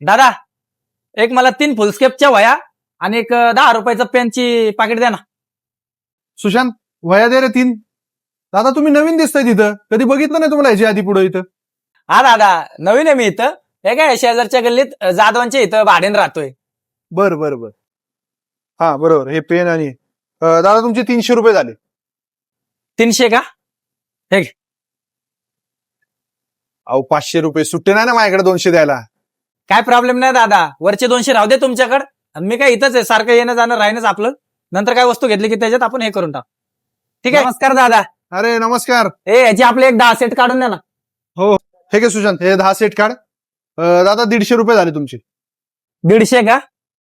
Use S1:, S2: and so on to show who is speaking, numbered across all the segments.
S1: दादा एक मला 3 फुलस्केपच्या वया आणि एक 10 रुपयाचं पेनची पाकिट द्या ना.
S2: सुशांत, वया दे रे 3. दादा तुम्ही नवीन दिसताय तिथं, कधी बघितलं नाही तुम्हाला याच्या आधी पुढे इथं.
S1: हा दादा, नवीन आहे मी इथं. हे काय शेजारच्या गल्लीत जाधवांच्या इथं भाड्यानं राहतोय.
S2: बर बर बर. हा बरोबर, हे पेन आणि दादा तुमचे 300 रुपये झाले.
S1: 300 का?
S2: अहो 500 रुपये सुट्टे नाही ना माझ्याकडे 200 द्यायला.
S1: काय प्रॉब्लेम नाही दादा, वरचे 200 राहू दे तुमच्याकडे. मी काय इथंच आहे, सारखं येणं जाणं राहीनच आपलं. नंतर काय वस्तू घेतली की त्याच्यात आपण हे करून टाक. ठीक आहे, नमस्कार दादा.
S2: अरे नमस्कार.
S1: याची आपले एक 10 सेट काढून द्या ना.
S2: हे घे सुशांत, हे 10 सेट काढ. दादा 150 रुपये झाले तुमचे.
S1: 150 का?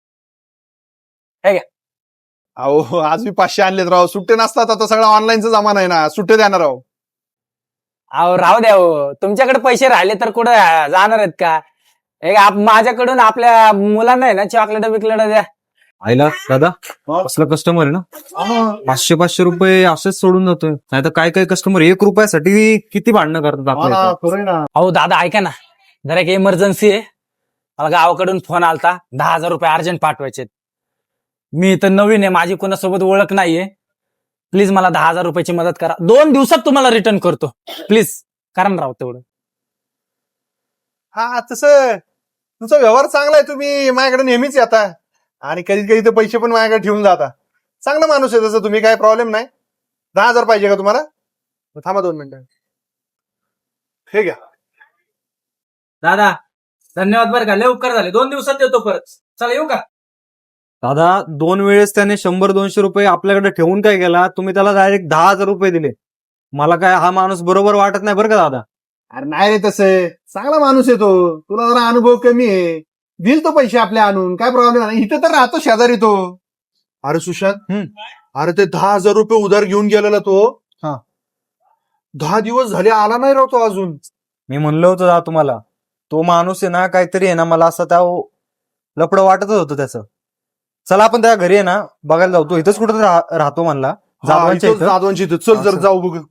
S2: अहो आज मी 500 आणलेत राव, सुट्टे नसतात, आता सगळा ऑनलाईनचा जमाना आहे ना, सुट्टे देणार राव.
S1: अहो राहू द्या हो, तुमच्याकडे पैसे राहिले तर कुठं जाणार आहेत का? माझ्याकडून आपल्या मुलांना आहे ना चॉकलेट बिकलेट द्या.
S3: आईला दादा असला कस्टमर आहे ना, 500 रुपये असेच सोडून जातोय. नाही तर काय काय कस्टमर 1 रुपयासाठी किती भांडणं करतात आपल्या इथं.
S2: खरंय ना.
S1: अहो दादा ऐका ना, जरा एक इमर्जन्सी आहे. मला गावाकडून फोन आलता, 10,000 रुपये अर्जंट पाठवायचे. मी इथं नवीन आहे, माझी कोणासोबत ओळख नाहीये. प्लीज मला 10,000 रुपयाची मदत करा. 2 दिवसात तुम्हाला रिटर्न करतो. प्लीज करा ना राव तेवढं.
S2: हा तसं तुमचा व्यवहार चांगला आहे, तुम्ही माझ्याकडे नेहमीच येता आणि कधी कधी तर पैसे पण माझ्याकडे ठेवून जाता. चांगला माणूस आहे तसं तुम्ही, काय प्रॉब्लेम नाही. 10,000 पाहिजे का तुम्हाला? थांबा 2 मिनिटं. हे घ्या.
S1: दादा धन्यवाद बरं का, लय उपकार झाले. 2 दिवसात देतो परत. चला येऊ का?
S3: दादा 2 वेळेस त्याने 100-200 रुपये आपल्याकडे ठेवून काय केला, तुम्ही त्याला डायरेक्ट 10,000 रुपये दिले. मला काय हा माणूस बरोबर वाटत नाही बरं का दादा.
S2: अरे नाही रे, तसं चांगला माणूस आहे तो. तुला जरा अनुभव कमी आहे, दिल तो पैसे आपले आणून, काय प्रॉब्लेम नाही. इथं तर राहतो शेजारी तो. अरे सुशांत, अरे ते 10,000 रुपये उधार घेऊन गेलेला तो. 10 दिवस झाले आला नाही राहतो अजून.
S3: मी म्हणलं होतं दादा तुम्हाला, तो माणूस आहे ना काहीतरी आहे ना, मला असं त्या लपडं वाटतच होतं त्याचं. चला आपण त्या घरी आहे ना बघायला जाऊ. तो इथंच कुठं राहतो म्हणला, जाधवांच्या इथं.
S2: जाधवांची इथं. चल जर जाऊ बघ.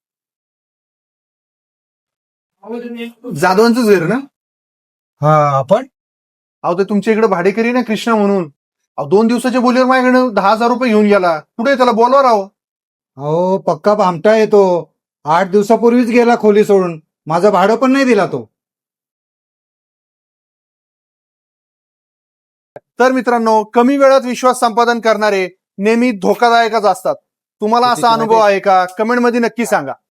S2: जाधवांचंच घर ना?
S3: हा आपण
S2: अहो ते तुमच्या इकडे भाडेकरी ना कृष्णा म्हणून. अहो 2 दिवसाच्या बोलीवर माझ्याकडे 10,000 रुपये घेऊन गेला. कुठे त्याला बोलवा राव.
S4: अहो पक्का भामटा येतो. 8 दिवसापूर्वीच गेला खोली सोडून. माझं भाडं पण नाही दिला तो.
S2: तर मित्रांनो, कमी वेळात विश्वास संपादन करणारे नेहमी धोकादायकच असतात. तुम्हाला असा अनुभव आहे का? कमेंटमध्ये नक्की सांगा.